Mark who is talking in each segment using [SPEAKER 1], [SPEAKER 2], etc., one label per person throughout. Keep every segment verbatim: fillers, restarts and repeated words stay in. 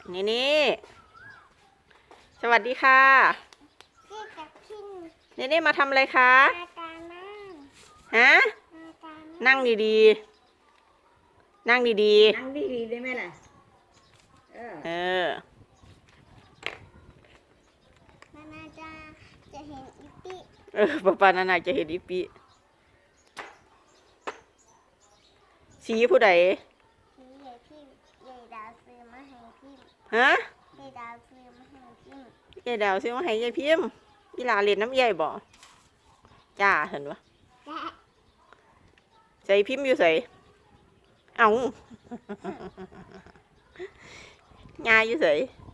[SPEAKER 1] นี่นี่สวัสดีค่ะ
[SPEAKER 2] พี่กับพี่
[SPEAKER 1] นี่นี่มาทำอะไรคะ
[SPEAKER 2] มาการนั่ง
[SPEAKER 1] ฮะ
[SPEAKER 2] มาการ
[SPEAKER 1] นั่งดีๆนั่งดี
[SPEAKER 3] นั่งดีๆได้ไหมล่ะเออ
[SPEAKER 1] ๆเออ
[SPEAKER 2] นานาจะจะเห็นอีปี
[SPEAKER 1] เออป้าปานานาจะเห็นอีปีสีผู้ใด
[SPEAKER 2] พี่ใหญ่พี่ใหญ่ดาวซื้อมาให้พี่
[SPEAKER 1] ฮะ
[SPEAKER 2] ใหญ่ดาวซื้อมาให้พี่
[SPEAKER 1] ยายดาวซื้อมาให้ยายพิมพ์อีหลาเล่นน้ำยายบ่จ้าเห็นปะ
[SPEAKER 2] และ
[SPEAKER 1] ใส่พิมพ์อยู่ใส่เอ้างาอยู่ใส่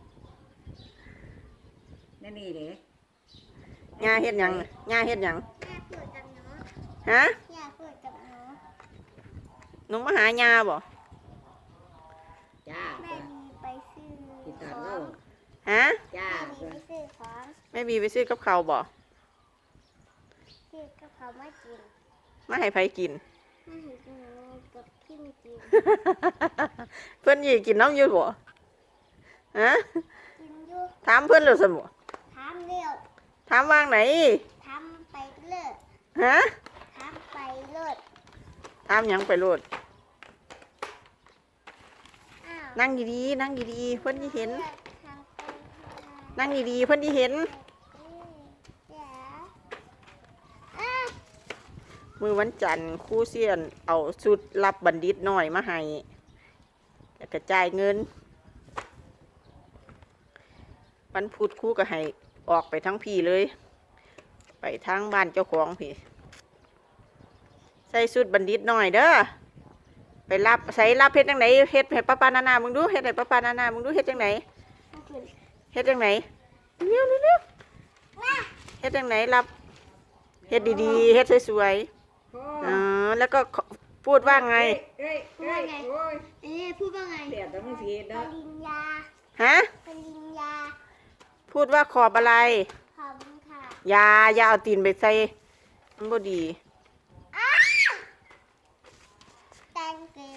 [SPEAKER 3] นั่นนี่เด้
[SPEAKER 1] งาเฮ็ดหยังงาเฮ็ดหยัง
[SPEAKER 2] ย่าพูดกับหนู
[SPEAKER 1] ฮะ
[SPEAKER 2] ย่าพูดกับหนู
[SPEAKER 1] หนูมาหายาบ่
[SPEAKER 3] จ้า
[SPEAKER 2] แม่มีไปซื้อ
[SPEAKER 3] ติด
[SPEAKER 2] ข
[SPEAKER 3] ตาม
[SPEAKER 2] อ
[SPEAKER 3] เรา
[SPEAKER 2] ง
[SPEAKER 1] ฮะ
[SPEAKER 3] จ้า
[SPEAKER 2] แม่มีไปซื้อของ
[SPEAKER 1] แม่บีไปซื้อกับเขาวบ่
[SPEAKER 2] ซื้อกับเขามากิน
[SPEAKER 1] มาให้ไผกิน
[SPEAKER 2] มาให้หนูกับพี่มีกิน
[SPEAKER 1] เพิ่นยี่กินน้ำอยู่บ่ฮะ
[SPEAKER 2] กินอยู่
[SPEAKER 1] ถามเพิ่นแล้วซั่นบ่
[SPEAKER 2] ทำเร็ว
[SPEAKER 1] ถามวางไหน
[SPEAKER 2] ทำไปเลิศ
[SPEAKER 1] ฮะ
[SPEAKER 2] ทำไปเลิศ
[SPEAKER 1] ถามหยังไปโลด
[SPEAKER 2] อ้าว
[SPEAKER 1] นั่งดีๆนั่งดีๆเพิ่นสิเห็น
[SPEAKER 2] ทำไปทำ
[SPEAKER 1] นั่งดีๆเพิ่นสิเห็น
[SPEAKER 2] เดี๋ยวอ้าว
[SPEAKER 1] มื้อวันจันทร์ครูเซียนเอาชุดรับบัณฑิตน้อยมาให้แล้วก็จ่ายเงินวันพุธครูก็ให้ออกไปทั้งพี่เลย ไปทางบ้านเจ้าของพี่ใส่ชุดบัณฑิตน้อยเด้อไปรับใส่รับเฮ็ดจังไหนเฮ็ดให้ป้าปานานามึงดูเฮ็ดให้ป้าปานานามึงดูเฮ็ดจังไหน
[SPEAKER 2] เอาขึ้น
[SPEAKER 1] เฮ็ดจังไหนเร็วเร็วเฮ็ดจังไหนรับเฮ็ดดีๆเฮ็ดสวย
[SPEAKER 3] โอ้
[SPEAKER 1] ๆอ๋อแล้วก็พูดว่าไง
[SPEAKER 3] เอ้ยเอ้ยเอ้ยโอ้ย
[SPEAKER 2] เอ๊ะพูดว่าไง
[SPEAKER 3] เดี๋ยวต้องเสีย
[SPEAKER 2] ป
[SPEAKER 3] เด้อ
[SPEAKER 2] ริญญา
[SPEAKER 1] ฮะ
[SPEAKER 2] ปริญญา
[SPEAKER 1] พูดว่าขอบอะไร
[SPEAKER 2] ขอบคุณค่ะ
[SPEAKER 1] อยาอย่าเอาตีนไปใส่มันบ่ดี
[SPEAKER 2] อ้าว thank you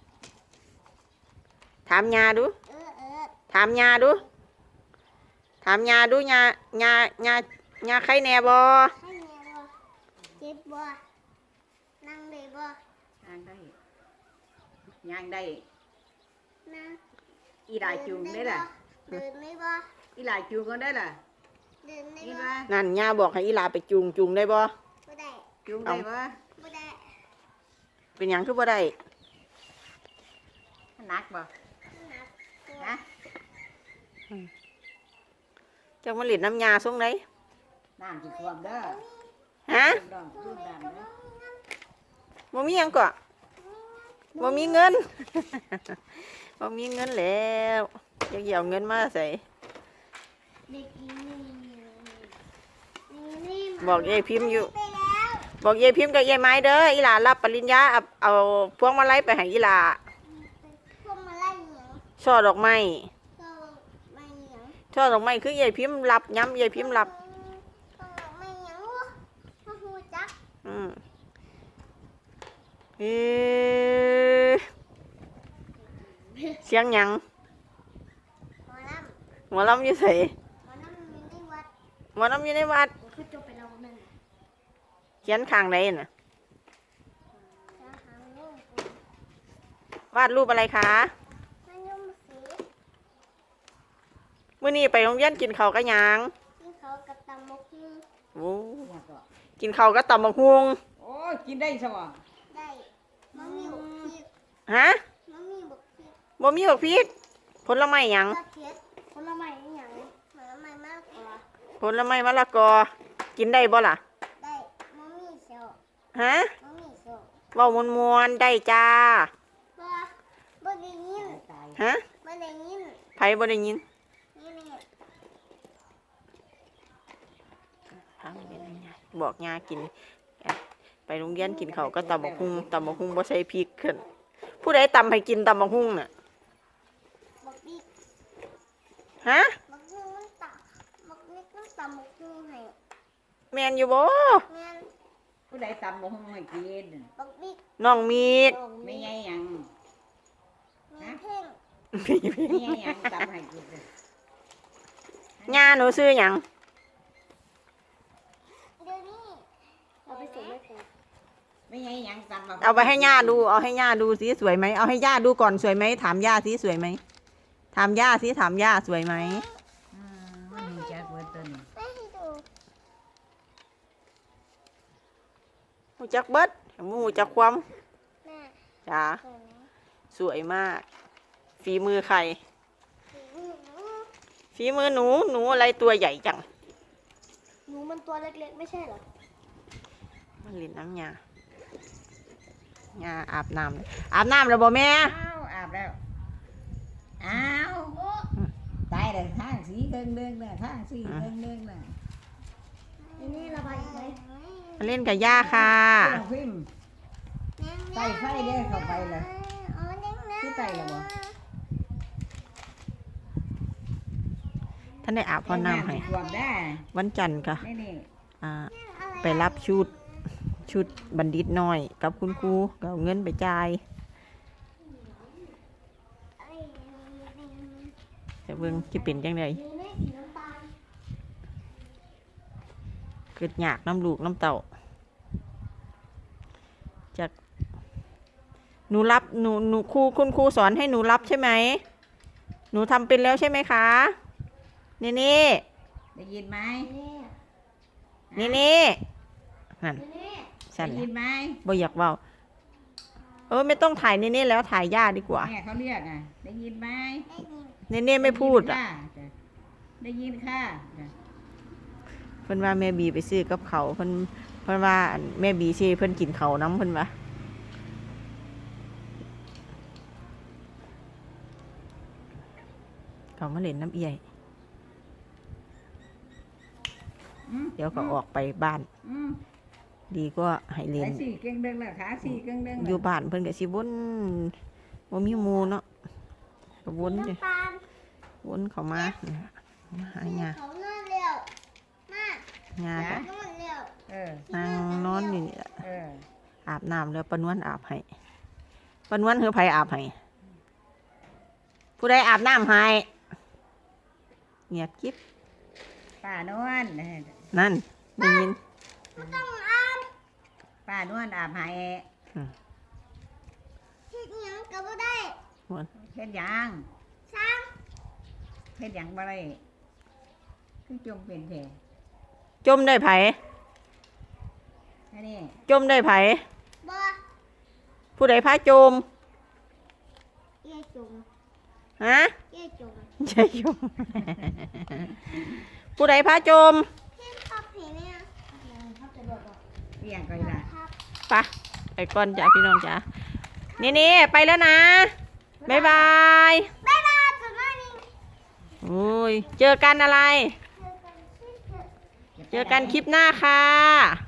[SPEAKER 1] ถามยาดู
[SPEAKER 2] เออเออ
[SPEAKER 1] ถามยาดู ถามยาดูยายายายาใครแน่บ่
[SPEAKER 2] ให้เมียบ่เจ็บบ่นั่งเลยบ่
[SPEAKER 3] ย่างได้ย่างได้
[SPEAKER 2] นั่ง
[SPEAKER 3] อีหลายจูงได้ล่ะ
[SPEAKER 2] เดินได้บ่
[SPEAKER 3] อีหลายจูงก็ได้ล่ะ
[SPEAKER 2] เดินได้
[SPEAKER 3] นี่
[SPEAKER 2] บ่
[SPEAKER 3] ว่า
[SPEAKER 1] นั่นยาบอกให้อีหลาไปจูงจูงได้บ่
[SPEAKER 2] บ่ได้
[SPEAKER 3] จูงได้ปะ
[SPEAKER 2] บ่ได้
[SPEAKER 1] เป็นหยังคือบ่ได้
[SPEAKER 3] หนักบ่
[SPEAKER 2] หนักตัว
[SPEAKER 3] ฮะ
[SPEAKER 1] จังมาเล่นน้ำยาส่งไหน
[SPEAKER 3] น้ำสิท่วมเด้อ
[SPEAKER 1] ฮะ
[SPEAKER 3] ดองดูน้ำเด้อ
[SPEAKER 1] บ่มีหยังก็บ่มีเงิน บ่มีเงินแล้วอยากเอาเงินมาใส่
[SPEAKER 2] เด็กอีนี่นี่นี่
[SPEAKER 1] บอกยายพิมพ์อยู่
[SPEAKER 2] ไปแล้ว
[SPEAKER 1] บอกยายพิมพ์กับยายไม้เด้ออีหลารับปริญญาเอาเอาพวงมาลัยไปให้อีหลา
[SPEAKER 2] พวกมาไล่เหนียว
[SPEAKER 1] ช่อดอกไม้
[SPEAKER 2] ก็ไม่เหนียว
[SPEAKER 1] ช่อดอกไม้คือยายพิมพ์รับย้ำยายพิมพ์รับ
[SPEAKER 2] ก็ไม่เหนียวมาหูจัก
[SPEAKER 1] อืมเอ๊ะเสียงหยัง
[SPEAKER 2] หมอล
[SPEAKER 1] หมอลำอยู่ไส
[SPEAKER 2] ำหมอลำอยู่ในวัด
[SPEAKER 1] หมอลำอยู่ในวัด
[SPEAKER 2] ผมคือจบไปแล้วนั่น
[SPEAKER 1] เขียนข้างไหนน่ะ
[SPEAKER 2] จะหาเรื่อง
[SPEAKER 1] วาดรูปอะไรคะ
[SPEAKER 2] มันยุ่งสี
[SPEAKER 1] มื้อนี้ไปโรงเรียนกินข้าวกับหยัง
[SPEAKER 2] ที่เขากับตำมกฮู้
[SPEAKER 1] โอ้
[SPEAKER 3] ว่าก็
[SPEAKER 1] กินข้าวกับตำบักฮวง
[SPEAKER 3] โอ้ยกินได้ซะบ่
[SPEAKER 2] ได้มันมีบกพริก
[SPEAKER 1] ฮะ
[SPEAKER 2] มันมีบกพริก
[SPEAKER 1] บ่มีบักพริกผลไม้หยัง
[SPEAKER 2] กระเทียมผลไม้อหย่างผลไม้มากกว่า
[SPEAKER 1] ผลไม้มะละกอกินได้บ่ล่ะ
[SPEAKER 2] ได้มันมีเขียว
[SPEAKER 1] ฮะ
[SPEAKER 2] มันมีเขียว
[SPEAKER 1] เว้ามวนๆได้จ้า
[SPEAKER 2] บ่บ่ได้ยิน
[SPEAKER 3] ตาย
[SPEAKER 1] ฮะ
[SPEAKER 2] บ่ได้ยิน
[SPEAKER 1] ไผบ่ได้ยิน
[SPEAKER 2] นี่นี่
[SPEAKER 1] พังเป็นไงบอกยากิน ไปโรงเรียนกินข้าวก็ตำบักหุ่งตำบักหุ่งบ่ใส่พริกขึ้นผู้ใดตำให้กินตำบักหุ่งน่ะ
[SPEAKER 2] บักบิ๊ก
[SPEAKER 1] ฮะ
[SPEAKER 2] บักฮู้มันตักบักบิ๊กมันตำบักฮู้ให้
[SPEAKER 1] แม่นอยู่บ่
[SPEAKER 2] แม่น
[SPEAKER 3] ผู้ใดตำบ่ฮู้ให้กิน
[SPEAKER 2] บักบิ๊ก
[SPEAKER 1] น้องมีด
[SPEAKER 2] น้อง
[SPEAKER 3] ไม่ใหญ่หยัง
[SPEAKER 2] มีเพ่ง
[SPEAKER 3] ไม่ใหญ่หยังตำให้
[SPEAKER 1] ย่าหนูซื้อหยัง
[SPEAKER 2] เดี๋ยวนี้เอาไปส่งแม่แพร
[SPEAKER 3] ไม่ใช่หยังตำบัก
[SPEAKER 1] เอาไปให้ย่าดูเอาให้ย่าดูสิสวยไหมเอาให้ย่าดูก่อนสวยไหมถามย่าสิสวยไหมถามย่าสิถามย่าสวยไหม
[SPEAKER 3] อืมมันหูจักเบิดต้น
[SPEAKER 2] แม่ให้ดู
[SPEAKER 1] หูจักเบิดหูจักความ
[SPEAKER 2] แม่
[SPEAKER 1] จ้า
[SPEAKER 2] สวยไหม
[SPEAKER 1] สวยมาก ฝีมือใคร
[SPEAKER 2] หนู
[SPEAKER 1] ฝีมือหนูหนูอะไรตัวใหญ่จัง
[SPEAKER 2] หนูมันตัวเล็กๆไม่ใช่เหรอ
[SPEAKER 1] มันเล่นน้ำยาย่าอาบน้ำเลยอาบน้ำแล้วบ่แม่
[SPEAKER 3] อ้าวอาบแล้วอ้าวตายเลยข้างสีเดิงเดิงน่ะข้างสีเดิงเดิงน่ะ
[SPEAKER 2] นี่นี่ระบายอีกไหม
[SPEAKER 1] มาเล่นกับย่าค่ะ
[SPEAKER 3] เจ้าพิมพ์ ใส่ไฟเด้อเข้าไปเลย
[SPEAKER 2] อ๋อเด้งนะ
[SPEAKER 3] คือไต่ละบ่
[SPEAKER 1] ท่านได้อาบพ่อน้ำให้
[SPEAKER 3] รวมได้
[SPEAKER 1] วันจันทร์ค่ะ
[SPEAKER 3] นี่นี่
[SPEAKER 1] อ่า ไปรับชุดชุดบัณฑิตน้อยกับคุณครูก็เอาเงินไปจ่ายแต่เบิ่งจะเป็นจังได
[SPEAKER 2] นี่นี่สีน้ำตาล
[SPEAKER 1] เกิดยากน้ำลูกน้ำเต่าจากหนูรับหนูหนูครูคุณครูสอนให้หนูรับใช่ไหมหนูทำเป็นแล้วใช่ไหมคะนี่นี่
[SPEAKER 3] ได้ยินไหม
[SPEAKER 2] นี่
[SPEAKER 1] นี่นี่นั่น
[SPEAKER 2] นี่
[SPEAKER 1] สั่น
[SPEAKER 3] ได้
[SPEAKER 1] แห
[SPEAKER 3] ยิ
[SPEAKER 1] ละ
[SPEAKER 3] นไหม
[SPEAKER 1] บ่อยากเว้าเออไม่ต้องถ่ายนี่นี่แล้วถ่ายย่าดีกว่า
[SPEAKER 3] แม่เขาเรียกอ่ะได้ยินไหม
[SPEAKER 2] ได้ยิน
[SPEAKER 1] นี่นี่ไม่พูดอ่ะ
[SPEAKER 3] ได้ยินค่ะจ้ะ
[SPEAKER 1] เพิ่นว่าแม่บีไปซื้อกับเขาวเพิ่นเพิ่นว่าอันแม่บีสิเพิ่นกินเขาวน้ำเพิ่นว่าเขามาเล่นน้ำเอี่ยย
[SPEAKER 3] อืม
[SPEAKER 1] เดี๋ยวก็ออกไปบ้าน
[SPEAKER 3] อืม
[SPEAKER 1] ดีก็ให้เล่
[SPEAKER 3] ไอ้
[SPEAKER 1] น
[SPEAKER 3] สี่เก่งเดิงละขาสี่เก่งเดิง
[SPEAKER 1] อยู่บ้านเพิ่นก็สิวนบ่มีหมู่เนาะก็วนเด้
[SPEAKER 2] น้ำตาล
[SPEAKER 1] วนเข้ามาเนี่ยมาหาหญ้า
[SPEAKER 2] เขานอนเร็วมา
[SPEAKER 1] หญ้าก็
[SPEAKER 2] นอนเร็ว
[SPEAKER 3] เออ
[SPEAKER 1] นั่งนอนอยู่นี่ล่ะ
[SPEAKER 3] เออ
[SPEAKER 1] อาบน้ำแล้วปานวนอาบให้ปานวนคือไผอาบให้ผู้ใดอาบน้ำให้เงียบกิ๊บ
[SPEAKER 3] ป้านวล
[SPEAKER 1] นั่นได้ยิน
[SPEAKER 2] ไม่ต้องอาบ
[SPEAKER 3] ป้านวลอาบให้
[SPEAKER 2] เฮ็ดหยังก็บ่ได้
[SPEAKER 3] เฮ็ดหยัง
[SPEAKER 2] ช้าง
[SPEAKER 3] เฮ็ดหยังบ่ได้คือจมเป็นแผล
[SPEAKER 1] จมได้ไผ
[SPEAKER 3] อันนี้
[SPEAKER 1] จมได้ไผ
[SPEAKER 2] บ่
[SPEAKER 1] ผู้ใดพาจม
[SPEAKER 2] เย่จง
[SPEAKER 1] ฮะ
[SPEAKER 2] เย่จง
[SPEAKER 1] ใช่จม ผู้ใดพาจม
[SPEAKER 2] เฮ็ดพับเห็นเนี่ยพับจะโดดบ่
[SPEAKER 3] เลี้ยงก็ได้
[SPEAKER 2] พับ
[SPEAKER 1] ไปไปก่อนจ้ะพี่น้องจ้ะนี่นี่ไปแล้วนะบ๊ายบาย
[SPEAKER 2] บ๊ายบายจุดน้อยนี่
[SPEAKER 1] โอ้ยเจอกันอะไร
[SPEAKER 2] เจอกันที่เถอะ
[SPEAKER 1] เจอกันคลิปหน้าค่ะ